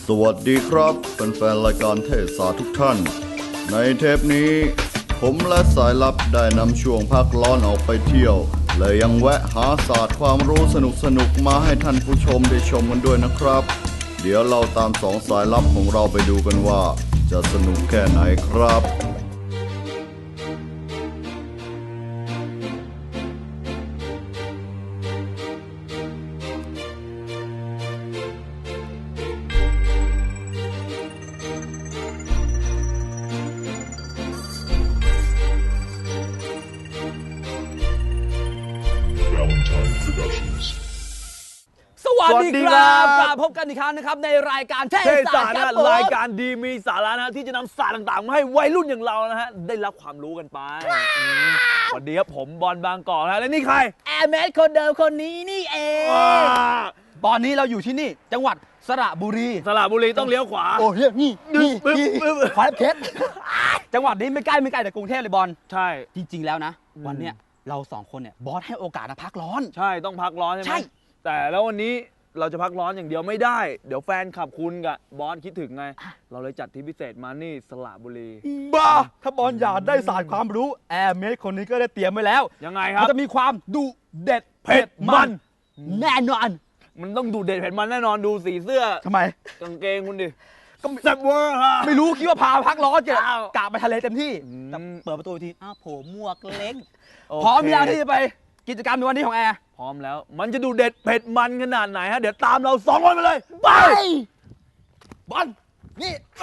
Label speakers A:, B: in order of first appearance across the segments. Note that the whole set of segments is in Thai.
A: สวัสดีครับแฟนๆรายการเทศศาสตร์ทุกท่านในเทปนี้ผมและสายลับได้นำช่วงพักร้อนออกไปเที่ยวและยังแวะหาศาสตร์ความรู้สนุกๆมาให้ท่านผู้ชมได้ชมกันด้วยนะครับเดี๋ยวเราตามสองสายลับของเราไปดูกันว่าจะสนุกแค่ไหนครับ
B: สวัสดีครับกลับพบกันอีกครั้งนะครับในรายการเทศศาสตร์ครับ
C: รายการดีมีสาระนะที่จะนำศาสตร์ต่างๆมาให้วัยรุ่นอย่างเรานะฮะได้รับความรู้กันไปสวัสดีครับผมบอลบางกอกนะและนี่ใคร
B: แอร์เมสคนเดิมคนนี้นี่เองตอนนี้เราอยู่ที่นี่จังหวัดสระบุรี
C: ต้องเลี้ยวขวา
B: โอ้ยนี่ขวาเพชรจังหวัดนี้ไม่ใกล้จากกรุงเทพเลยบอล
C: ใช่
B: จริงๆแล้วนะวันเนี้ยเราสองคนเนี่ยบอสให้โอกาสมาพักร้อน
C: ใช่ต้องพักร้อนใช่ไหมแต่แล้ววันนี้เราจะพักร้อนอย่างเดียวไม่ได้เดี๋ยวแฟนขับคุณกับบอสคิดถึงไงเราเลยจัดทริปพิเศษมานี่สระบุรี
B: บ้าถ้าบอลอยากได้ศาสตร์ความรู้แอร์เมสคนนี้ก็ได้เตรียมไว้แล้ว
C: ยังไงครับ
B: มันจะมีความดุเด็ดเผ็ดมันแน่นอน
C: มันต้องดุเด็ดเผ็ดมันแน่นอนดูสีเสื้อ
B: ทำไม
C: กางเกงคุณดิก็แซ่บเวอร์ฮะ
B: ไม่รู้คิดว่าพาพักร้อนกะไปทะเลเต็มที่แต่เปิดประตูทีอ้าวโผล่หมวกเล็กพร้อมแล้วที่จะไปกิจกรรมในวันนี้ของแอร์
C: พร้อมแล้วมันจะดูเด็ดเผ็ดมันขนาดไหนฮะเดี๋ยวตามเราสองคนไปเลยไปบอลนี่ไป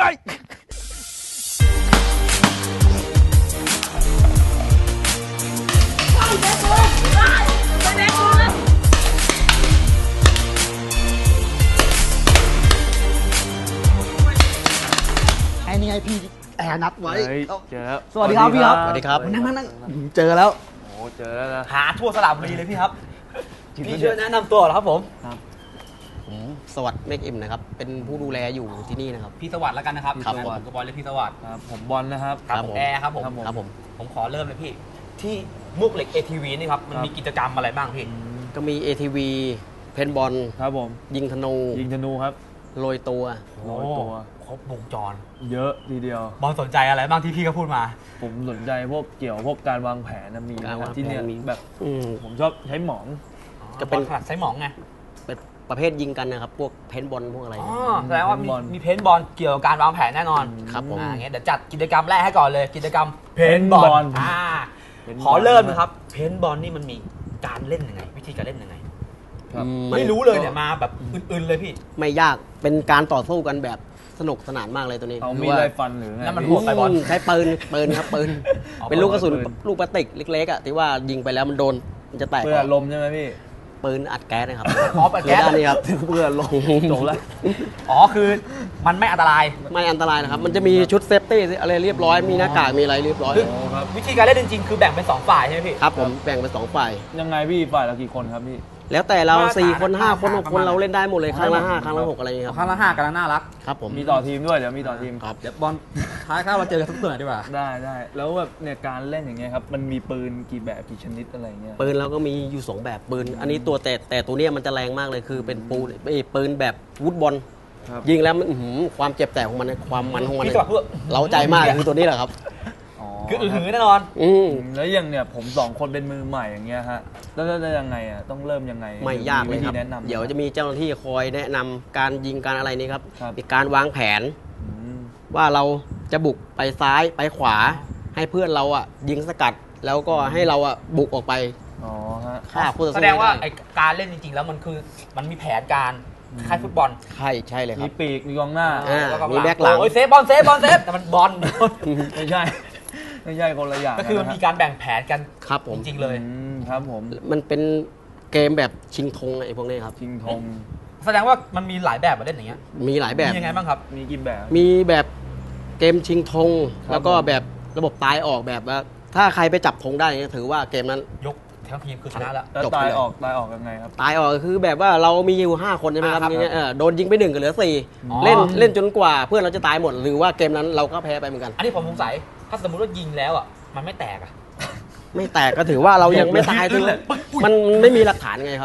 B: ไอ้นี่ไงพี่แอร์นัดไว้
C: เจอแล้ว
B: สวัสดีครับพี่ครับ
D: สวัสดีครับ
B: นั่งเจอแล้ว
C: โอ้เจอแล้วนะ
B: หาทั่วสระบุรีเลยพี่ครับพี่ช่วยแนะนำตัวเหรอครับผม
D: สวัสดิ์เมฆอิมนะครับเป็นผู้ดูแลอยู่ที่นี่นะครับ
B: พี่สวัสดิ์แล้วกันนะครับ
D: ครับ
B: ผมกับบอลเลยพี่สวัสดิ์
C: ครับผมบอลนะครับ
B: ครับแอร์ครับผมผมขอเริ่มเลยพี่ที่มุกเหล็ก ATV นี่ครับมันมีกิจกรรมอะไรบ้างพี่
D: ก็มี ATV เพนบอล
C: ครับผม
D: ยิงธนูครับโรยตัว
B: ครบวงจร
C: เยอะทีเดียว
B: บอลสนใจอะไรบ้างที่พี่ก็พูดมา
C: ผมสนใจพวกการวางแผนมีที่เนี่ยแบบผมชอบใช้หมอง
B: จะเป็นใช้หมองไง
D: เป็นประเภทยิงกันนะครับพวกเพนบอลพวกอะไร
B: แสดงว่ามีเพนบอลเกี่ยวกับการวางแผนแน่นอน
D: ครับผม
B: งั้นเดี๋ยวจัดกิจกรรมแรกให้ก่อนเลยกิจกรรมเพนบอลขอเริ่มนะครับเพนบอลนี่มันมีการเล่นยังไงวิธีการเล่นยังไงไม่รู้เลยเนี่ยมาแบบอื่นๆเลยพี่
D: ไม่ยากเป็นการต่อสู้กันแบบสนุกสนานมากเลยตัวนี้
C: เขามีไรฟันหรือไง
B: นั่นมันหัวไปบอล
D: ใช้ปืนครับปืนเป็นลูกกระสุนลูกพลาสติกเล็กๆอ่ะที่ว่ายิงไปแล้วมันโดนมันจะแตก
C: เปื้อนลมใช่ไหมพี่
D: ปืนอัดแก๊สนะครับ
B: อัดแก๊ส
D: นี่ครับ
C: เปื้อนลมจบแล้ว
B: คือมันไม่อันตราย
D: นะครับมันจะมีชุดเซฟตี้อะไรเรียบร้อยมีหน้ากากมีอะไรเรียบร้อย
B: วิธีการเล่นจริงๆคือแบ่งเป็น2ฝ่ายใช่ไหมพี่
D: ครับผมแบ่งเป็น2ฝ่าย
C: ยังไงพี่ฝ่ายละกี่คนครับพี่
D: แล้วแต่เรา4คน5คน6คนเราเล่นได้หมดเลยครั้งละ5ครั้งละ6อะไรอย่างเงี้ยครับ
B: ครั้งละ5กันน่ารัก
D: ครับผม
C: มีต่อทีมด้วยเดี๋ยวมีต่อทีม
D: ครับ
B: เดี๋ยวบอลท้ายข้าวเราเจอกันทุกตัวดีกว่า
C: ได้แล้วแบบเนี่ยการเล่นอย่างเงี้ยครับมันมีปืนกี่แบบกี่ชนิดอะไรเงี้ย
D: ปืนเราก็มีอยู่2แบบปืนอันนี้ตัวแต่ตัวเนี้ยมันจะแรงมากเลยคือเป็นปืนแบบวูดบอลยิงแล้วมันความเจ็บแสบของมันความมันของมันเราใจมากคือตัวนี้แหละครับ
B: คือแน่นอน
C: แล้วอย่างเนี่ยผม2คนเป็นมือใหม่อย่างเงี้ยฮะแล้วยังไงอ่ะต้องเริ่มยังไง
D: ไม่ยากเลยครับเดี๋ยวจะมีเจ้าหน้าที่คอยแนะนำการยิงการอะไรนี้ครับมีการวางแผนว่าเราจะบุกไปซ้ายไปขวาให้เพื่อนเราอ่ะยิงสกัดแล้วก็ให้เราอ่ะบุกออกไปฆ่าผู้ต่อสู้
B: แสดงว่าไอการเล่นจริงๆแล้วมันคือมันมีแผนการคล้ายฟุตบอล
D: ใช่เลยครับ
C: มีปีกมีกองหน้า
D: มีแบ็คหลัง
B: เซฟบอลแต่มันบอล
C: ไม่ใช่คนละอย่าง
B: ก็คือมันมีการแบ่งแผนกัน
D: ครับผม
B: จริงๆเลย
C: ครับผม
D: มันเป็นเกมแบบชิงธงไอ้พวกนี้ครับ
C: ชิงธง
B: แสดงว่ามันมีหลายแบบมาเล่นอย่างเงี้ย
D: มีหลายแบบ
B: มียังไงบ้างครับ
C: มีกี่แบบ
D: มีแบบเกมชิงธงแล้วก็แบบระบบตายออกแบบว่าถ้าใครไปจับธงได้ถือว่าเกมนั้น
B: ยกทั้งทีมคือชนะแล้ว
C: ตายออกยังไงครับ
D: ตายออกคือแบบว่าเรามีอยู่5คนใช่ไหมครับโดนยิงไป1ก็เหลือ4เล่นจนกว่าเพื่อนเราจะตายหมดหรือว่าเกมนั้นเราก็แพ้ไปเหมือนกัน
B: อันนี้ผมสงสัยถ้าสมมติว่ายิงแล้วอ่ะมันไม่แตกอ่ะ
D: ไม่แตกก็ถือว่าเรายังไม่ตายมันไม่มีหลักฐานไงครับ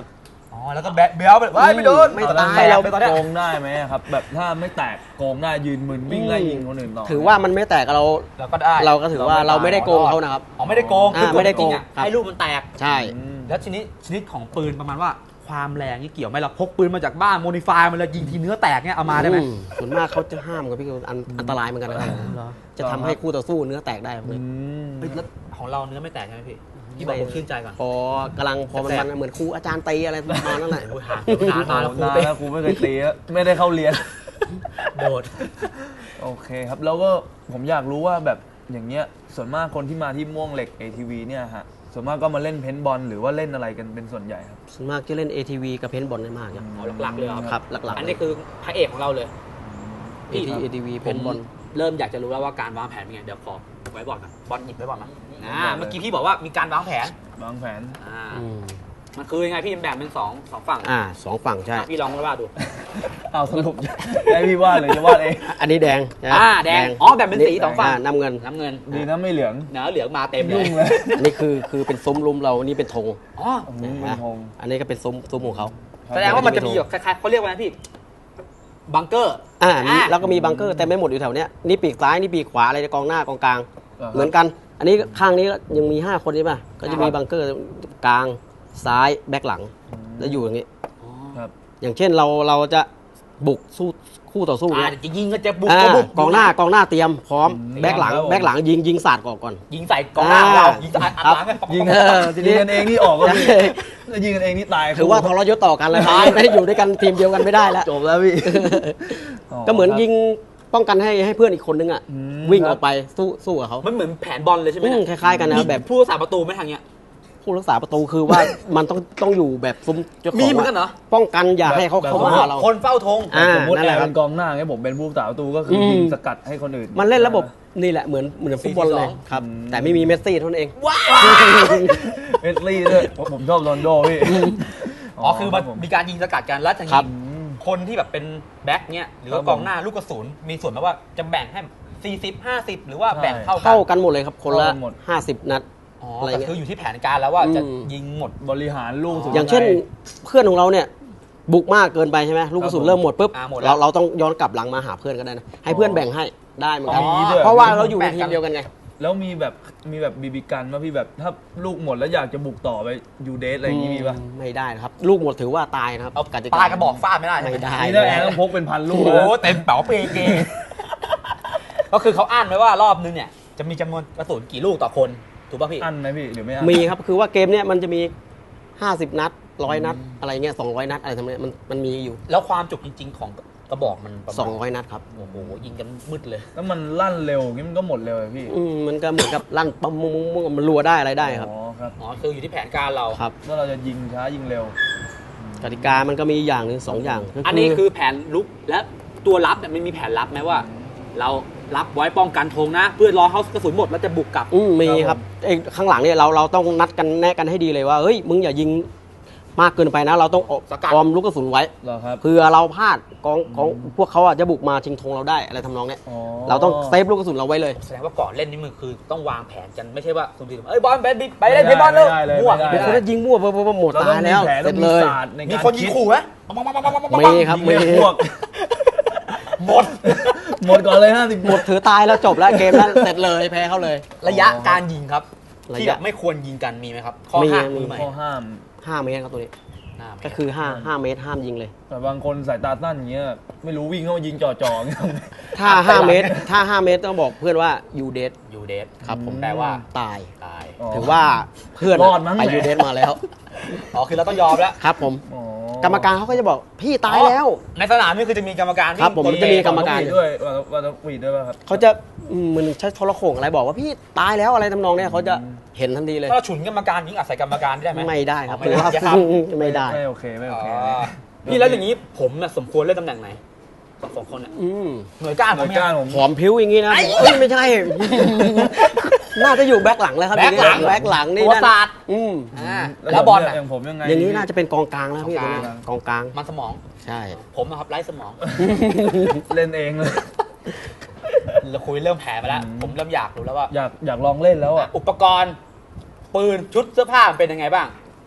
B: อ๋อแล้วก็แบะเบี้ยวไปไม่โดน
D: ไม่
C: ตอน
D: ตา
C: นั้น
D: ยเรา
B: ไปตอนเนี้ย
C: โกงได้ไหมครับแบบถ้าไม่แตกโกงได้ยืนมึนวิ่งไล่ยิงคนอื่นต่อ
D: ถือว่ามันไม่แตกเรา
B: เราก็ได้
D: เราก็ถือว่าเราไม่ได้โกงเขานะครับ
B: อ๋อไม่ได้โกงคือ
D: ไม่ได้โกง
B: จริๆอะ
D: ครับ
B: ให้ลูกมันแตก
D: ใช่
B: แล้วชนิดของปืนประมาณว่าความแรงนี่เกี่ยวไหมเราพกปืนมาจากบ้านโมดิฟายมันเลยยิงทีเนื้อแตกเนี่ยเอามาได้ไหม
D: ส่วนมากเขาจะห้ามกับพี่อันตรายเหมือนกันนะครับจะทำให้คู่ต่อสู้เนื้อแตกได้ครับ
B: เฮ้ยแล้วของเราเนื้อไม่แตกใช่ไหมพี่บอกผมชื่นใจก่อน
D: พอกำลังพอมันเหมือนครูอาจารย์ตีอะไรประมาณนั้นแหละ
B: โอ้ยหามาแล้วครู
C: นาน
B: เต้
C: แล้วครูไม่เคยตีอะไม่ได้เข้าเรียน
B: โดด
C: โอเคครับแล้วก็ผมอยากรู้ว่าแบบอย่างเงี้ยส่วนมากคนที่มาที่ม่วงเหล็ก ATV เนี่ยฮะส่วนมากก็มาเล่นเพนท์บอลหรือว่าเล่นอะไรกันเป็นส่วนใหญ่ครับ
D: ส่วนมากจะเล่น ATV กับเพนท์บอลได้มากครับ
B: อ๋อหลักๆเลยเหรอ
D: ครับหลักๆ
B: อันนี้คือพระเอกของเราเลย พี่
D: ATV เพ
B: ผม
D: นท์บอล
B: เริ่มอยากจะรู้แล้วว่าการวางแผนเป็นไงเดี๋ยวขอไว้บอลก่อนบอลหยิบไว้บอลมาเมื่อกี้พี่บอกว่ามีการวางแผน
C: วางแผน
B: มันคือยังไงพี่แบ่งเป็นสองฝั่ง
D: สองฝั่งใช่
B: พี่ลองว่าดู
C: เอาสรุปให้พี่วาดเลยจะวาดเอง
D: อันนี้แดงใช่ไหม
B: แดงอ๋อแบ่งเป็นสีสองฝั่ง
D: น้ำเงิน
B: น้ำเงิน
C: ดีนะไม่เหลือง
B: เนื้อเหลืองมาเต็มเล
C: ยุ่
B: ย
C: งเลย
D: อันนี้คือเป็นซุ้มลุมเรานี่เป็นธง
B: อ๋อ
C: เป็นธง
D: อันนี้ก็เป็นซุ้มของเขา
B: แสดงว่ามันจะมีแบบคล้ายๆเขาเรียกว่าไงพี่บังเกอร์
D: นี่แล้วก็มีบังเกอร์แต่ไม่หมดอยู่แถวเนี้ยนี่ปีกซ้ายนี่ปีกขวาอะไรกองหน้ากองกลาง เหมือนกัน อันนี้ข้างนี้ก็ยังมี5คนใช่ป่ะก็จะมีบังเกอร์กลางซ้ายแบ็คหลังแล้วอยู่อย่างนี้
C: ครับ
D: อย่างเช่นเราจะบุกสู้คู่ต่อสู้เนี่ย
B: จะยิงก็จะบุก
D: อ่า
B: ก็บุก
D: กองหน้าเตรียมพร้อมแบ็คหลังยิงศาสตร์ก่อน
B: ยิงใส่กองหน้าของเรายิงใส่อัดหลัง
C: ยิง
D: ที
C: ยิ
D: นี้
C: งกันเองนี่ออกก็พี่แล้วยิงกันเองนี่ตาย
D: ถือว่าทรยศต่อกันแล้วไม่ได้อยู่ด้วยกันทีมเดียวกันไม่ได้แล้ว
C: จบแล้วพี่
D: ก็เหมือนยิงป้องกันให้เพื่อนอีกคนนึงอ่ะวิ่งออกไปสู้กับเขา
B: มันเหมือนแผนบอลเลยใช่ไหม
D: คล้ายๆกันนะแบบ
B: ผู้รักษาประตูไม่ทางเนี้ย
D: ผู้รักษาประตูคือว่ามันต้องอยู่แบบซุ้มเจ้าของ
B: มีเหมือนกันเหรอ
D: ป้องกันอย่าให้เขาเข้ามาหาเรา
B: คนเฝ้าธง
C: สมมติ
D: นั่น
C: แอ
D: แหละ
C: ร์
D: ครั
C: เป็
D: บ
C: นกองหน้าไงผมเป็นผู้รักษาประตูก็คือยิงสกัดให้คนอื่น
D: มันเล่นระบบนี่แหละเหมือนฟุตบอลเลยครับแต่ไม่มีเมสซี่เท่านั้นเอง
B: ว้าว
C: เมสซี่ด้วยผมชอบโรนลโดพี่
B: อ๋อคือมันมีการยิงสกัดกันแล้วทาง
D: ครั
B: นี้
D: บ
B: คนที่แบบเป็นแบ็คเนี้ยหรือว่ากองหน้าลูกกระสุนมีส่วนไหมว่าจะแบ่งให้40-50 หรือว่าแบ่งเท่ากั
D: เข้ากันหมดเลยครับคนละ
C: เข้ากันหมด
D: 50 นัด
B: อ๋อ
D: อะไร
B: แต่
D: เงี้ย
B: คืออยู่ที่แผนการแล้วว่าจะ
D: อืม
B: ยิงหมด
C: บริหารลูกสุด
D: อย่างเช่นเพื่อนของเราเนี่ยบุกมากเกินไปใช่ไหมลูกกระสุนเริ่มหมดปุ๊บ
B: หมดแล้ว
D: เราต้องย้อนกลับหลังมาหาเพื่อนก็ได้นะให้เพื่อนแบ่งให้ได้เหมือนกัน
B: อ๋อ
D: เพราะว่าเราอยู่ในทีมเดียวกันไง
C: แล้วมีแบบบีบีกันว่าพี่แบบถ้าลูกหมดแล้วอยากจะบุกต่อไปยูเดสอะไรอย่างงี้มีป่ะ
D: ไม่ได้นะครับ ลูกหมดถือว่าตายนะครับ
B: เอา
D: กติ
B: ปลายกระบอกฟาดไม่ได้ใช่ห
D: ไม่ได้
C: นี่ถ้าแอร์ต้องพกเป็นพันลู
B: โอ้
C: ก
B: โห
C: นะ
B: เต็มเป๋าเปเก ก็คือเขาอ่านไว้ว่ารอบนึงเนี่ยจะมีจำนวนกระสุนกี่ลูกต่อคนถูกป่ะพี่
C: อันไหมพี่หรือไม่อัน
D: มีครับคือว่าเกมเนี้ยมันจะมี 50 นัด 100 นัด อะไรเงี้ย200 นัดอะไรทำนองเนี้ยมันมีอยู่
B: แล้วความจุจริง ๆ ของกระบอกมันประมาณ
D: 200 นัดครับ
B: โอ้โหยิงกันมืดเลย
C: แล้วมันลั่นเร็วอย่างงี้มันก็หมดเร็วเลยพี่
D: มันก็เหมือนกับลั่นปั๊มมุ้งมันรัวได้อะไรได้ครับ
C: อ๋อครับ
B: อ๋อคืออยู่ที่แผนการเรา
D: ครับ
C: ว่าเราจะยิงช้ายิงเร็ว
D: กติกามันก็มีอย่างหนึ่ง2 อย่างก็
B: อันนี้คือแผนลุกและตัวรับเนี่ยมันมีแผนรับไหมว่า เรารับไว้ป้องกันธงนะ เพื่อรอเขากระสุนหมดแล้วจะบุกกลับ
D: มีครับไอ้ข้างหลังเนี่ยเราต้องนัดกันแนะกันให้ดีเลยว่าเฮ้ยมึงอย่ายิงมากเกินไปนะ เราต้อง
B: สกัด
D: ออมลูกกระสุนไว้
C: เหรอครับ
D: เผื่อเราพลาดของพวกเขาอ่ะจะบุกมาชิงธงเราได้อะไรทำนองเนี้ย
C: อ๋อ
D: เราต้องเซฟลูกกระสุนเราไว้เลย
B: แสดงว่าก่อนเล่นนี่มันคือต้องวางแผนกันไม่ใช่ว่าคุณดีเอ้ยบอลไปเล่นเพย์บอลเร็วมั่ว
C: ไม่
D: เป็น
C: ได้
D: คนที่ยิงมั่วปุ๊บหมด
C: เรา
D: ตา
C: ต้องมี
D: ยแล้ว
C: แผน
D: เส
C: ต้
D: ร็
C: อง
D: จ
C: มี
D: เลย
C: ศาสตร์ใน
B: มี
C: การ
B: คนยิงขู่ไหม
D: มีครับ
C: ยิง
D: มี
C: ให้พวก
B: หมด
C: หมดก่อนเลย50
D: หมดถือตายแล้วจบแล้วเกมนั้นเสร็จเลยแพ้เขาเลย
B: ระยะการยิงครับ
D: ระยะ
B: ที่แบบไม่ควรยิงกันมีไหมครับข้อ
D: มี
B: ห้าม
D: มี
B: มือใหม่
C: ข้อห้าม
D: 5 เมตรครับตัวนี้
B: ห้าม
D: ก็คือ5 เมตรห้ามยิงเลย
C: แต่บางคนสายตาสั้นอย่างเงี้ยไม่รู้วิ่งเข้ามายิงจ่อๆเงี้ย
D: ถ้า 5 เมตรต้องบอกเพื่อนว่ายูเดส
B: ยูเดส
D: ครับผม
B: แปลว่า
D: ตาย
B: ตาย
C: อ๋อ
D: ถือว่าเพื่อน
C: รอดมั้ง
D: ไป
C: แหละ
D: ยูเดสมาแล้ว
B: อ๋อคือเราต้องยอมแล้ว
D: ครับผม
C: อ๋อก
D: รรมการเขาก็จะบอกพี่ตายแล้ว
B: ในสนามนี่คือจะมีกรรมการ
D: ครับผม
B: วิ่ง
D: จะมีกรรมการ
C: ด้วยว่าต้องวีดด้วยป่ะครับ
D: เขาจะมันใช้โทรโข่งอะไรบอกว่าพี่ตายแล้วอะไรทำนองเนี้ยเขาจะเห็นทันทีเลย
B: ถ้าเราฉุนกรรมการยิงอัดใส่กรรมการได้ไหม
D: ไม่ได้ครับ
B: ไม่
D: ถือ
B: ได้
D: ว่า
B: ครับ
D: ไม่ได้
C: ไม่โอเคไม่โอ
B: อ๋อ
C: เค
B: พี่แล้วอย่างนี้ผมน่ะสมควรเล่นตำแหน่งไหนสองคนเนี่ย
D: อืม
B: หน่วยก้าน
C: ห
B: ผ
C: น่ว
B: ม
C: ย
B: เนี่ย
C: ก้านผม
D: ผอมพิ้วอย่างงี้นะเอ้ยไม่ใช่ น่าจะอยู่แบ็คหลังแล้วครับ
B: แบ็คหลัง
D: แบ็คหลังนี่
B: ตัว
D: นั่น
B: ศาสตร์
D: อืม
B: แล้วบอลน่ะ
C: อย่างผมยังไง
D: อย่างนี้น่าจะเป็นกองกลางแล้วพี่
B: กองกลาง
D: กองกลาง
B: มันสมอง
D: ใช่
B: ผมนะครับไร้สมอง
C: เล่นเองเลย
B: เราคุยเริ่มแผลมาแล้ว ผมเริ่มอยากรู้แล้วว่า
C: อยากลองเล่นแล้วอ่ะ
B: อุปกรณ์ปืนชุดเสื้อผ้ามันเป็นยังไงบ้าง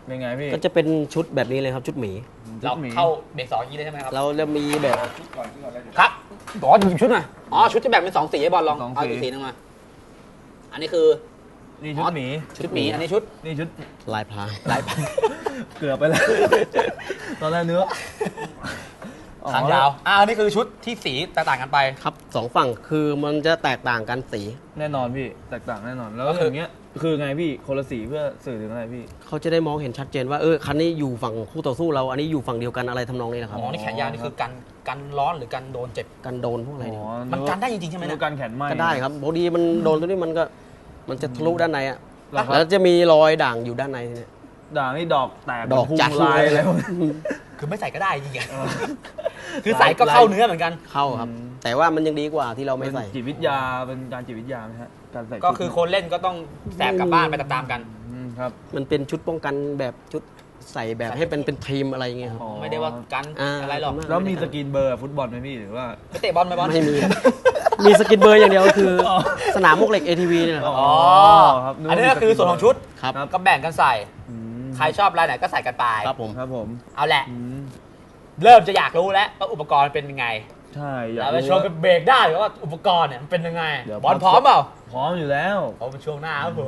C: เป็นไงพี่
D: ก็จะเป็นชุดแบบนี้เลยครับชุดหมี
B: เราเข้าเบรก2อย่างนี้เลยใช่ไหมครับ
D: เราจะมีแบบ
B: ครับบอกว่าหยิบชุดหน่อยอ๋อชุดจะแบ่งเป็น2สีให้บอลลอง
C: สองสี
B: เอาอีกสีนึงมาอันนี้คือ
C: นี่ชุดหมี
B: ชุดหมีอันนี้ชุด
C: นี่ชุด
D: ลายพราง
B: ลายพัน
C: เกือบไปแล้ว ตอนแรกเนื้อ
B: ทางยาวอันนี้คือชุดที่สีแตกต่างกันไป
D: ครับสองฝั่งคือมันจะแตกต่างกันสี
C: แน่นอนพี่แตกต่างแน่นอนแล้ว
B: ก็
C: ก็
B: คือ
C: อย่างเงี้ยคือไงพี่คนละสีเพื่อสื่อถึงอะไรพี่
D: เขาจะได้มองเห็นชัดเจนว่าคันนี้อยู่ฝั่งคู่ต่อสู้เราอันนี้อยู่ฝั่งเดียวกันอะไรทำนองนี้นะครับ
B: อ๋อนี่แขนยาวนี่คือกันร้อนหรือกันโดนเจ็บ
D: กันโดนพวกอะไรเนี่ย
B: มันกันได้จริงๆใช่ไหม
C: ดู
B: เนี่ย
C: การแขนไหม
D: ก็ได้ครับพอดีมันโดนตัวนี้มันจะทะลุด้านในอ่ะ
C: แล้ว
D: แล้วจะมีรอยด่างอยู่ด้านในเนี่ย
C: ด่างนี่ดอกแตก
D: ดอก
C: พุ่ง
D: จัด
C: ลายอะไรพวกนี้
B: คือไม่ใส่ก็ได้จริงๆคือใส่ก็เข้าเนื้อเหมือนกัน
D: เข้าครับ แต่ว่ามันยังดีกว่าที่เราไม่ใส่
C: เป็นจิตวิทยาเป็นการจิตวิทยาไหมฮะการใส่
B: ก็คือคนเล่นก็ต้องแสบกลับบ้านไปตามๆกัน
C: ครับ
D: มันเป็นชุดป้องกันแบบชุดใส่แบบให้เป็นทีมอะไรอย่างเงี้ยครับ
C: อ๋อ
B: ไม่ได้ว่ากันอะไรหรอก
C: แล้วมีสกรีนเบอร์ฟุตบอลไหมพี่หรือว่า
B: ไปเตะบอลไหมบอล
D: ไม่มีครับมีสกินเบอร์อย่างเดียวคือสนามมุกเหล็ก ATV เนี่ยนะครับ
B: อ๋อ
C: ครับนึก
B: อัน
C: ว่า
B: นี้ก็คือส่วนของชุด
D: ครับ
B: ก็แบ่งกันใส่
C: อืม
B: ใครชอบลายไหนก็ใส่กันไป
D: ครับผม
C: ครับผม
B: เอาแหละ
C: อืม
B: เริ่มจะอยากรู้แล้วว่าอุปกรณ์เป็นยังไง
C: ใช่อยาก
B: เราไป
C: รู้
B: ชมกันเบรกได้หรือว่าอุปกรณ์เนี่ยมันเป็นยังไง
C: เดี๋ยว
B: บอลพร้อมเปล่า
C: พร้อมอยู่แล้ว
B: พร้อมเป็นช่วงหน้าครับผม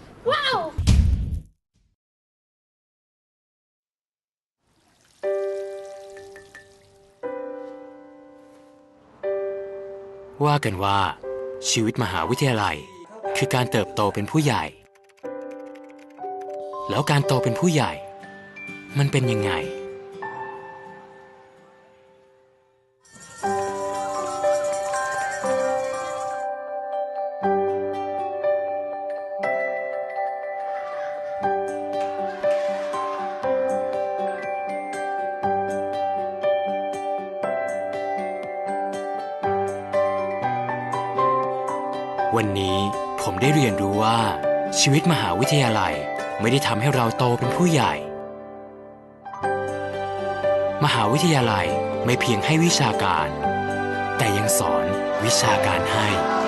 E: ว่ากันว่าชีวิตมหาวิทยาลัยคือการเติบโตเป็นผู้ใหญ่ แล้วการโตเป็นผู้ใหญ่ มันเป็นยังไง วันนี้ผมได้เรียนรู้ว่าชีวิตมหาวิทยาลัยไม่ได้ทำให้เราโตเป็นผู้ใหญ่ มหาวิทยาลัยไม่เพียงให้วิชาการ แต่ยังสอนวิชาการให้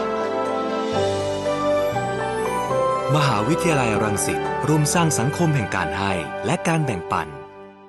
E: มหาวิทยาลัยรังสิตร่วมสร้างสังคมแห่งการให้และการแบ่งปัน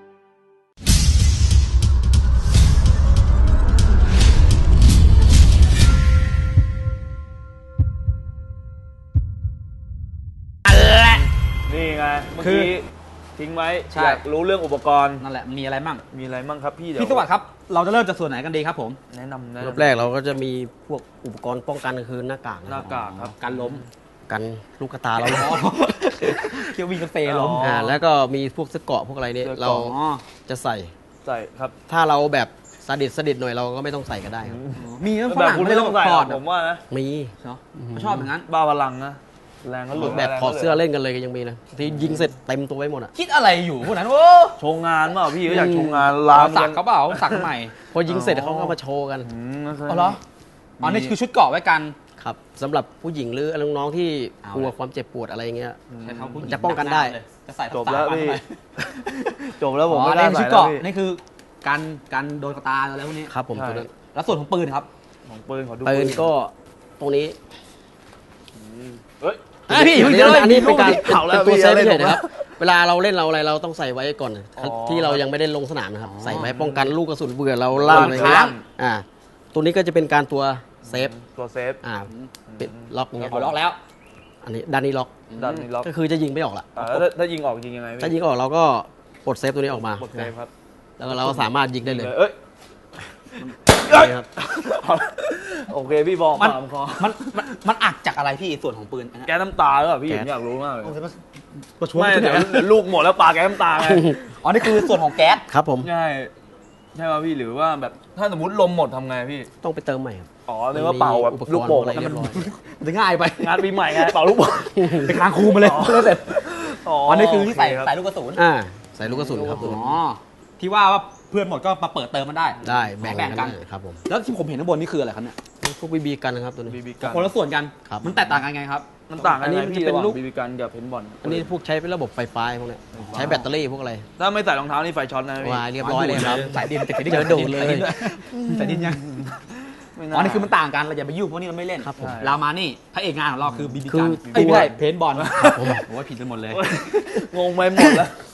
C: นี่ไงเมื่อ
B: คือ
C: กี้ทิ้งไว้
B: ใช่
C: อยากรู้เรื่องอุปกรณ์
B: นั่นแหละมีอะไรมั่ง
C: มีอะไรบ้างครับพี่เดี๋ยว
B: พี่สวัสดิ์ครับ เราจะเริ่มจากส่วนไหนกันดีครับผม
C: แนะนำ
D: รอบแรกเราก็จะมีพวกอุปกรณ์ป้องกันคือหน้ากาก
C: หน้ากากครับ
B: การล้ม
D: กันลูกกระตาเรา
B: เที่ยววิ่งกาแฟล้ม
C: อ๋อ
D: แล้วก็มีพวกเสื้อเกราะพวกอะไรเนี่ย
C: เสื้อ
D: เรา
C: เกราะ
B: อ๋อ
D: จะใส่
C: ใส่ครับ
D: ถ้าเราแบบสดิดหน่อยเราก็ไม่ต้องใส่ก็ได้ครับ
B: มีนะฝ
C: แบบ
B: รั่ง
C: คุณ
B: ไม่
C: ไม่
B: ต้
C: ต้
B: อ
C: อง งใส่
B: ถ
C: หร
B: อ
C: อ
B: ด
C: กผมว่านะ
D: มี
B: เนาะเขาชอบอย่างนั้น
C: บ้าพลังนะแรงก็หลุด
D: แบบถอดเสื้อเล่นกันเลยก็ยังมีเลยที่ยิงเสร็จเต็มตัวไว้หมดอ่ะ
B: คิดอะไรอยู่พวกนั้นโอ้
C: โชว์งานเปล่าพี่ก็อยากโชว์งาน
B: ลา
C: ลาม
B: สักเขาเปล่าสักใหม่
D: พอยิงเสร็จเขาก็มาโชว์กัน
B: อ๋อเหรออ๋อนี่คือชุดเกราะไว้กัน
D: ครับสำหรับผู้หญิงหรือน้องๆที่
B: เอา
D: กลัว
B: เลย
D: ความเจ็บปวดอะไรอย่างเงี้ย
B: ใช้เท้าผู้หญิง
D: จะป้องกันได้
B: จะใส่
C: จบแล้ว
B: ทั
C: พี่
B: ไป
C: จบแล้วผม
B: อ๋อ
C: ไม่
B: นี่
C: ได้
B: คือชุ
C: ใส่
B: ด
C: แล้ว
B: เกราะ
C: พี่
B: นี่คือการโดนกระตาแล้วพวกนี้
D: ครับผม
C: ใช่
D: ตัวนั้น
B: แล้วส่วนของปืนครับ
C: ของปืนขอดู
D: ปืนก็ตรงนี้
C: เฮ้ย
B: พี่
D: อันนี้อันนี้เป็นการ
C: เผาแล้ว
D: เป็นตัว
C: พี่
D: เซฟ
C: อะไร
D: เฉยๆ
C: ผม
D: นะครับ เวลาเราเล่นเราอะไรเราต้องใส่ไว้ก่อน
C: อ๋อ
D: ที่เรายังไม่ได้ลงสนามนะครับ ใส่ไว้ป้องกันลูกกระสุนเบื่อเรา
C: ลั่
D: ลั่น
C: น
D: อะไร
C: ค้า
D: เงี้
C: ง
D: ยตัวนี้ก็จะเป็นการตัวเซฟ
C: ตัวเซฟ
D: ปิดล็อกเงี้ย
B: เอาล็อกแล้ว
D: อันนี้ด้านนี้ล็อก
C: ด้านนี้ล็อก
D: ก็คือจะยิงไม่ออกละ
C: แล้วถ้ายิงออกยิงยังไงพี่
D: ถ้ายิงออกเราก็ปลดเซฟตัวนี้ออกมา
C: กดเซฟครับ
D: แล้วก็เราก็สามารถยิงได้เลย
C: เอ้ย
D: นี่ครับ
C: โอเคพี่บอก
B: มัน
C: ปามคอ
B: มันอัดจากอะไรพี่ส่วนของปืนอันนั้น
C: แก๊สน้ำตาหรือเปล่าพี่
D: แก๊ส
C: ผมอยากรู้มากเลย
B: ประชว
C: ไม่เดี๋ยวลูกหมดแล้วปาแก๊สน้ำตาไง
B: อ๋อนี่คือส่วนของแก๊ส
D: ครับผม
C: ใช่ใช่ป่ะพี่หรือว่าแบบถ้าสมมติลมหมดทำไงพี่
D: ต้องไปเติมใหม่ครับ
C: อ๋อเรียกว่าเป่าแบบ
D: อุปกรณ์
C: ลูกโป่ง
D: อะไรเรียบร้อย
B: มันจะง่ายไป
C: งานปีใหม่ไงเป่าลูกโป่ง
B: ไปคลางครูมาเลยเสร็จ
C: อ๋อ
B: อ๋อนี่คือที่ใส่
C: โเรับ
B: ใส่ลูกกระสุน
D: ใส่ลูกกระสุนครับ
B: อ๋อที่ว่าเพื่อนหมดก็มาเปิดเติมมันได้
D: ได้แบ่ง
B: แบ่งกัน
D: ได้ครับผม
B: แล้วที่ผมเห็นข้างบนนี่คืออะไรครับเนี่ย
D: พวกบีบีกันนะครับตัวนี้
C: บีบีกัน
B: คนละส่วนกัน
D: ครับ
B: มันแตกต่างกันไงครับ
C: มันต่างกัน
D: อันนี้
C: ไหม
D: มัน
C: พี่
D: จะเป็น
C: ระหว่าง
D: ลูก
C: บีบีกันกับเพนบอล
D: อันนี้พวกใช้เป็นระบบไฟฟ้าพวกเนี้ยใช้แบตเตอรี่พวกอะไร
C: ถ้าไม่ใส่รองเท้านี่ไฟช็อตนะพี่
D: วายเรียบร้อยเลยครับ
B: สายดินติด
D: เจอดูดเลย
B: สายดินยัง
C: ไม่
B: อ๋อนี่คือมันต่างกันเราอย่าไปยุ่งพวกนี้เราไม่เล่น
D: ครับผม
B: เรามานี่พระเอกงานของเราคือบีบี
D: คื
B: กั
D: อน
B: ไม่ใช่
D: ตัว
B: เพนบอลโอ้ยผิดกันหมดเลย
C: งงไปหมดแล้ว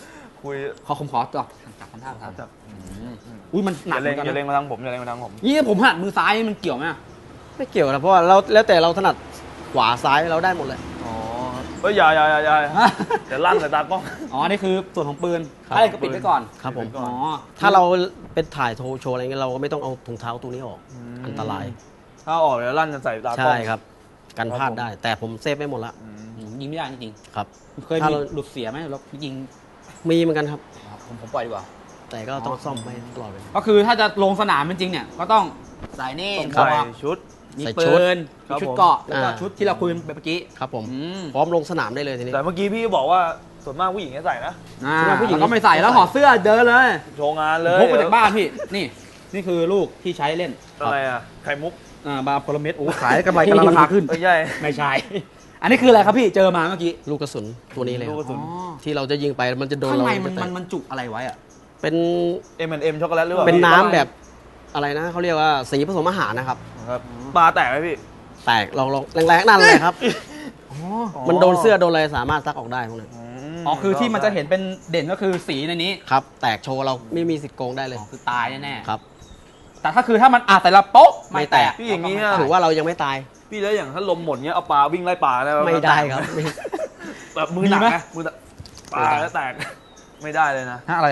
C: คุย
B: ผมขอจับทำท่าทาง
C: จับ
B: อุ้ยมันหนัก
C: อย่า
B: เหมื
C: เล็
B: อง นกัน
C: อย่าเล็ง
B: นะ
C: มาทางผมอย่าเล็งมาทางผม
B: นี่ผมหันมือซ้ายมันเกี่ยวไหม
D: ไม่เกี่ยวนะเพราะว่าเราแล้วแต่เราถนัดขวาซ้ายเราได้หมดเลย
C: อ๋อเฮ้ยอย่าเดี๋ยวลั่นใส่ตากล้อง
B: อ๋อนี่คือส่วนของปืน
D: ครับ
B: อะไรก็ปิดไว้ก่อน
D: ครับผม
B: อ๋อ
D: ถ้าเราเป็นถ่ายโชว์อะไรเงี้ยเราก็ไม่ต้องเอาถุงเท้าตัวนี้ออกอันตราย
C: ถ้าออกเดี๋ยวลั่นจะใส่ตากล้อง
D: ใช่ครับกันพลาดได้ แต่ผมเซฟไม่หมดละ
B: ยิงไม่ได้จริง
D: ครับ
B: ๆเคย
D: ถ้า
B: มี
D: เรา
B: หลุดเสียไหมแล้วยิง
D: มีเหมือนกันครับ
B: ผมปล่อยดีกว่า
D: แต่ก็ต้องซ่อมไม่ตลอดเลย
B: ก็คือถ้าจะลงสนามจริงๆเนี่ยก็ต้องใส่นี่
C: ใส่
B: หมวก
C: ชุด
B: มี
D: ใส่
B: ปื
D: ชุด
B: น
C: ครั
B: มี
C: บ
B: ชุด
C: ผม
B: เกราะแล้วก็
D: อ่า
B: ชุดที่เราคุยกันไปเมื่อกี้
D: ครับผม
B: อืม
D: พร้อมลงสนามได้เลยทีนี้
C: แต่เมื่อกี้พี่บอกว่าส่วนมากผู้หญิงจะใส่นะ
B: อ่า
D: ใช่ไหมผู้หญิง
B: แล้วก็ไม่ใส่แล้วถอดเสื้อเดินเลย
C: โชว์งานเลย
B: พกมาจากบ้านพี่นี่คือลูกที่ใช้เล่น
C: อะไรอ่ะไข่มุก
B: บาร์โพลเมตรโอ้ขายกำไรกำลังราคาขึ้น
C: ไม่ใช่
B: ไม่ใช่ อันนี้คืออะไรครับพี่เจอมาเมื่อกี้
D: ลูกกระสุนตัวนี้เลยค
C: ลูกก
D: รับ
C: ระสุน
D: ที่เราจะยิงไปมันจะโดน
B: ข้าง
D: เรา
B: ใน
D: จะแตก
B: มันจุอะไรไว้อะ
D: เป็น
C: M&M ช็อกโกแลตหรือเปล่า
D: เป็น
C: พี่
D: น้ำแบบอะไรนะเขาเรียกว่าสีผสมอาหารนะครับ
C: ครับปลาแตกไหมพี่
D: แตกลองแรงๆนั่นเลยครับ มันโดนเสื้อโดนอะไรสามารถซักออกได้พวกนั้น
B: อ๋อคือที่มันจะเห็นเป็นเด่นก็คือสีในนี้
D: ครับ แตกโชว์เราไม่มีสิทธิ์โกงได้เลย
B: คือตายแน่ๆ
D: ครับ
B: แต่ถ้าคือถ้ามันแต่ละโป๊ะไม่แตก
C: พี่อย่างนี้
B: นี้
C: อะ
D: ถือว่าเรายังไม่ตาย
C: พี่แล้วอย่างถ้าลมหมดเงี้ยเอาปลาวิ่งไล่ปลาได้ห
D: ไม่ได้ครับ
C: แบบมือหนักนะมือหนักปลาแล้วแตก ไม่ได้เลยนะ
B: อะไร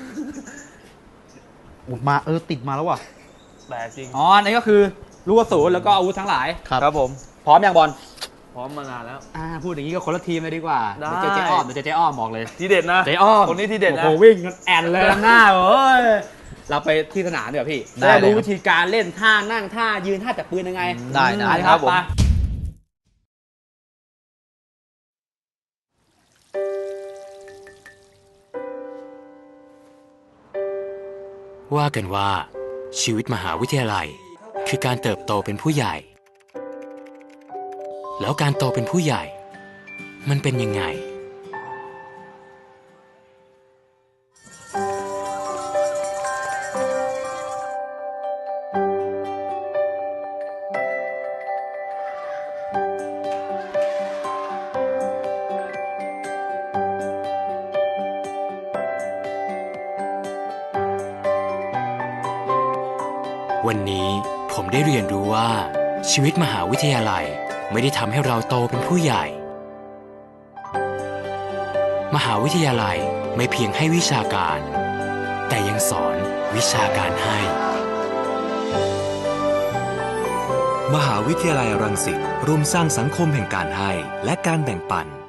B: มาติดมาแล้วว่ะ
C: แตกจริง
B: อ๋ออันนี้ก็คือลูกกระสุนแล้วก็อาวุธทั้งหลาย
D: ครับ
C: ครับผม
B: พร้อมยังบอล
C: พร้อมมานานแล้ว
B: พูดอย่างนี้ก็คนละทีมเลยดีกว่า
C: ได้
B: เดี๋ยวเจอเจ๊อ้อมบอกเลย
C: ทีเด็ดนะ
B: เจ๊อ้อม
C: คนนี้ทีเด็ดนะ
B: โอ้โหวิ่งกันแอนเลยหน้าเอ้ยเราไปที่สนามเดี๋ยวพี่
D: ได้
B: จะ
D: เลย
B: รู้
D: ครับ
B: วิธีการเล่นท่านั่งท่ายืนท่าจับปืนยังไง
D: ได้
B: ไปครับไป
E: ว่ากันว่าชีวิตมหาวิทยาลัยคือการเติบโตเป็นผู้ใหญ่ แล้วการโตเป็นผู้ใหญ่ มันเป็นยังไง วันนี้ผมได้เรียนรู้ว่าชีวิตมหาวิทยาลัยไม่ได้ทำให้เราโตเป็นผู้ใหญ่ มหาวิทยาลัยไม่เพียงให้วิชาการ แต่ยังสอนวิชาการให้
F: มหาวิทยาลัยรังสิตร่วมสร้างสังคมแห่งการให้และการแบ่งปัน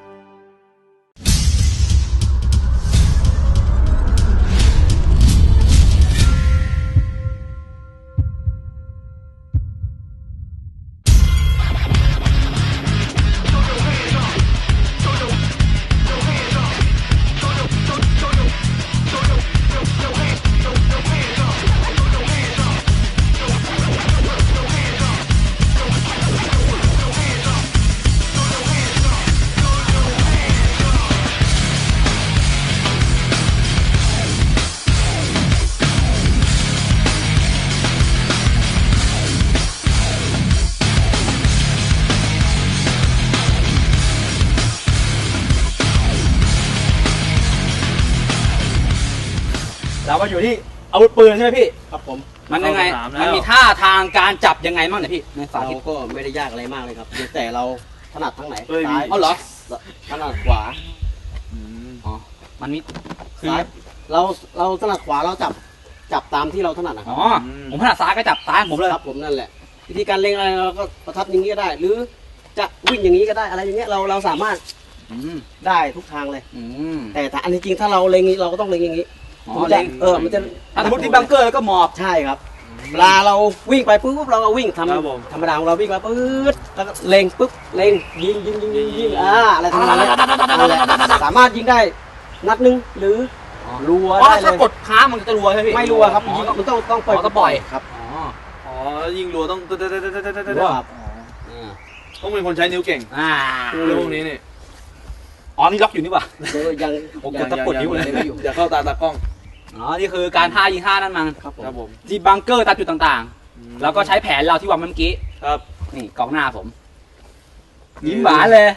B: เรามาอยู่ที่อาวุธปืนใช่ไหมพี่
D: ครับผม
B: มันยังไง
C: เข้าสนามแล้ว
B: มันมีท่าทางการจับยังไงบ้างเนี่ยพี่ในสา
D: เรา
B: ธิต
D: ก็ไม่ได้ยากอะไรมากเลยครับเพียงแต่เราถนัดทั้งไหน
C: เอ้ย
D: ซ้าย
B: เอาเหรอ
D: ถนัดขวา
B: อ๋อมันมีคือ
D: ซ้ายเราถนัดขวาเราจับตามที่เราถนัดนะครับ
B: อ๋อผมถนัดซ้ายก็จับซ้ายของผมเลย
D: ครับผมนั่นแหละ วิธีการเล็งอะไรเราก็ประทับอย่างนี้ก็ได้ หรือจะวิ่งอย่างนี้ก็ได้อะไรอย่างเงี้ยเราสามารถ
B: อืม
D: ได้ทุกทางเลย
B: อืม
D: แต่ถ้าอันนี้จริงถ้าเราเล็งอย่างนี้เราก็ต้องเล็งอย่างนี้
B: อ๋อ
D: มัน
B: เล็
D: จะ
B: ง
D: มันจะ
B: ถ้าสมมติที่บังเกอร์แล้วก็หมอบ
D: ใช่ครับเวลาเราวิ่งไปปุ๊บเราก็วิ่งท
C: ครับผม
D: ำธรรมดาของเราวิ่งไปปุ๊บแล้วก็เล็งปุ๊บเล็งยิงอะไรทำนองนั้นนั่นแหละสามารถยิงได้นัดหนึงหรือรัว
B: อ๋อ
D: ได้เล
B: ถ้าย กดค้างมันจะรัวใช่ไหมพี่
D: ไม่รัวครับ
B: อ๋อ
D: ยิงมันต้องปล่อย
B: อ๋อต้องปล่อย
D: ครับ
B: อ๋อ
C: อ๋อยิงรัวต้อง
D: รัวครับ
C: ต้องเป็นคนใช้นิ้วเก่ง
B: อ่า
C: เรื่องพวกนี้นี่
B: อ๋อนี่ล็อกอยู่นี่ป่ะ
D: ยัง
B: โอ้กดตะปดนิ้วเลย
C: อย่าเข้าตาตากล้อง
B: อ๋อนี่คือการท่ายิงท่านั่นมัน
D: ครับผม
C: ครับผม
B: ที่บังเกอร์ตามจุดต่างๆ แล้วก็ใช้แผนเราที่วางเมื่อกี้
C: ครับ
B: นี่กองหน้าผม ยิ้มหวานเลย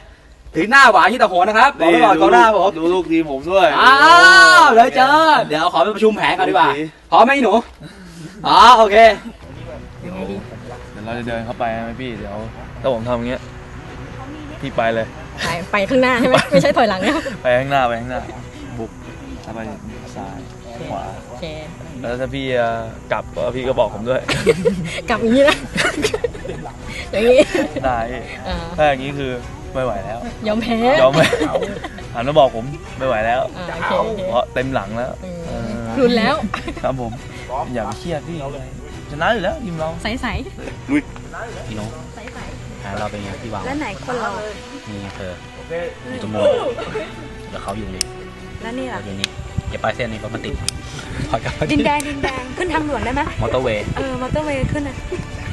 B: ถึงหน้าหวานที่ตะโหนนะครับบอกไว้ก่อนกองหน้าผม
C: ดูลูกทีมผมด้วย
B: อ้าวเลยเจอเดี๋ยวขอไปประชุมแผนกันดีกว่าพร้อมไหมหนูอ๋อโอเค
C: เดี๋ยวเราจะเดินเข้าไปไหมพี่เดี๋ยวถ้าผมทำอย่างเงี้ยพี่ไปเลย
G: ไปข้างหน้าใช่ไหมไม่ใช่ถอยหลังนะ
C: ไปข้างหน้าบุกถ้าไปซ้ายขวา
G: โอเค
C: แล้วถ้าพี่กลับก็พี่ก็บอกผมด้วย
G: กลับอย่างนี้นะ อย่างนี้
C: ได้
G: อ่า
C: ถ้าอย่างนี้คือไม่ไหวแล้ว
G: ยอมแพ้
C: ยอมไหมหันมาบอกผมไม่ไหวแล้ว
G: อ่าโอเคโอเค
C: เพราะเต็มหลังแล้ว
G: รุนแล้ว
C: ครับผมอย่าไปเครียดพี่ชนะอยู่แล้วทีมเรา
G: ใสใส
B: พี่น้อง
G: ใสใส
B: แผนเราเป็นไงพี่วาง
G: แล้วไหนคนเรา
B: นี่เธออยู่ตรงนู้นแล้วเขาอยู่นี่
G: แล้วนี่ล่ะ
B: อยู่นี่อย่าไปเส้นนี้เพราะมันติดพอกลับมา
G: ดินแดงขึ้นทางด่วนได้ไหม
B: มอเตอร์เวย์
G: มอเตอร์เวย์ขึ้นนะ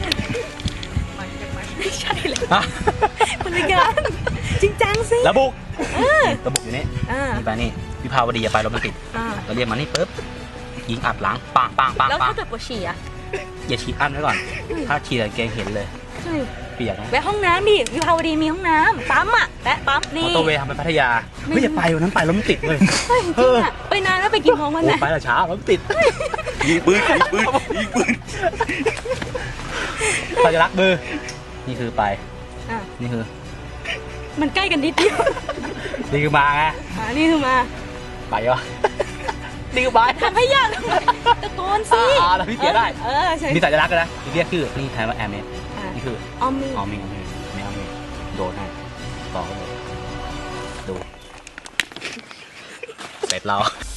G: ไม่ใช่เลยคนละกันจริงจังสิ
B: ระบุกระบุกอยู่นี่
G: อ่า
B: นี่ไปนี่วิภาวดีอย่าไปรถมันติด
G: อ่า
B: เราเรียกมานี่ปุ๊บยิงอัดหลังปังปังปัง
G: แล้ว
B: ปัง
G: ถ้าเกิดปวดฉี่อ่ะ
B: อย่าฉีดอั้นไว้ก่อน ถ้าฉีดเกงเห็นเลย
G: ใช่
B: เปียกนะ
G: แวะห้องน้ำดิวิภาวดีมีห้องน้ำปั๊มอ่ะแวะปั๊ม
B: ม
G: นี่
B: อเตอร์เวย์ทำไปพัทยาไม่อย่าไปวันนั้นไปรถมันติดเลย
G: เฮ้ยจริงอ่ะไปนานแล้วไปกินของวันไหน
B: ไปแต่เช้ารถมันติดยิงปืนสัญลักษณ์มือนี่คือไป
G: อ่ะ
B: นี่คือ
G: มันใกล้กันนิดเดียว
B: นี่คือมาไง
G: นี่คือมา
B: ไปวะนี่คือไป
G: ทำให้ยากตะโกนสิ
B: แล้วพี่เสียได้
G: ใช่
B: มีสัญลักษณ์นะเรียกชื่อนี่แทนว่าแอร์เมสนี่คือ
G: ออมมี
B: อ๋อมีโดนให้ต่อเลยดูเสร็จเรา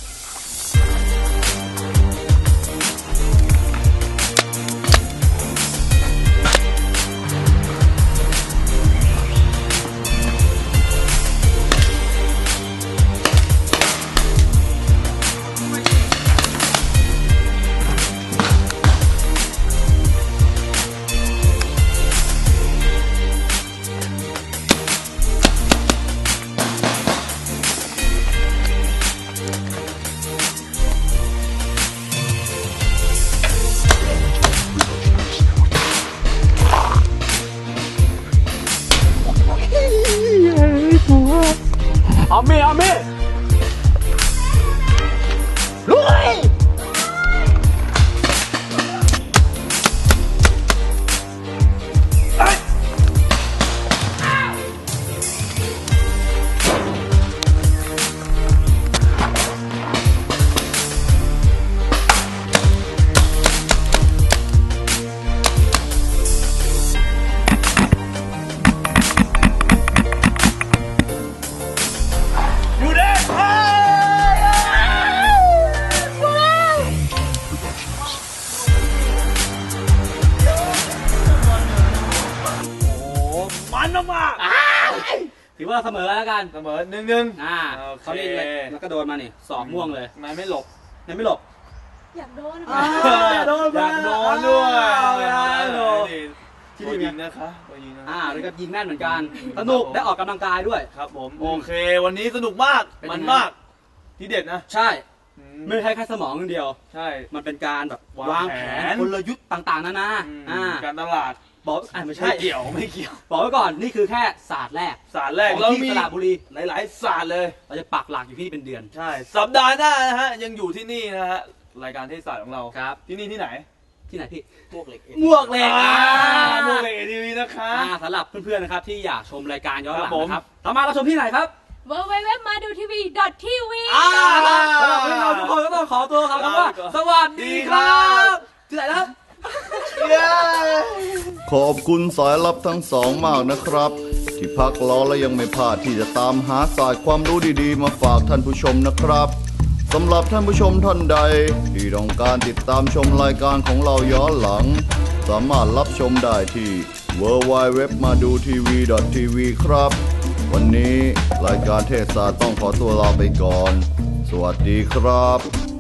B: เอามีลุยถือว่าเสมอแล้วกัน
C: เสมอ1-1
B: เขาเล่นเลยแล้วก็โดนมานี่สอบม่วงเลย
C: นายไม่หลบ
B: ยังไม่หลบ
G: อยากโดน
C: อยากโดนด้วยที่นี่นะคะ
B: แล้วก็ยิงแม่นเหมือนกันสนุกได้ออกกำลังกายด้วย
C: ครับผมโอเควันนี้สนุกมากมันมากที่เด็ดนะ
B: ใช่ไม่ใช่แค่สมองอย่างเดียว
C: ใช่
B: มันเป็นการแบบวางแผนกลยุทธ์ต่างๆนานา
C: การตลาด
B: บอกไม่ใช่
C: ไม่เกี่ยว
B: บอกไว้ก่อนนี่คือแค่ศาสตร์แรก
C: เรามี
B: สระบุรี
C: หลายๆศาสตร์เลย
B: เราจะปักหลักอยู่ที่นี่เป็นเดือน
C: ใช่สัปดาห์หน้านะฮะยังอยู่ที่นี่นะฮะรายการเทศศาสตร์ของเรา
B: ครับ
C: ที่นี่ที่ไหน
B: ที่ไหนพี่มวกเหล็ก
C: มวกเหล็กทีวีนะคะ
B: สำหรับเพื่อนๆนะครับที่อยากชมรายการย้อนหลัง
C: ครับผม
B: นะครับสามารถรับชมที่ไหนครับ
G: www.maduTV.tv
B: สำหรับพวกเราทุกคนก็ต้องขอตัวครับว่าสวัสดีครับที่ไหนนะครับ
A: ขอบคุณสายลับทั้งสองมากนะครับ ที่พักรอและยังไม่พลาดที่จะตามหาศาสตร์ความรู้ดีๆมาฝากท่านผู้ชมนะครับสำหรับท่านผู้ชมท่านใดที่ต้องการติดตามชมรายการของเราย้อนหลัง สามารถรับชมได้ที่ www.madutv.tv ครับ วันนี้รายการเทศศาสตร์ต้องขอตัวลาไปก่อน สวัสดีครับ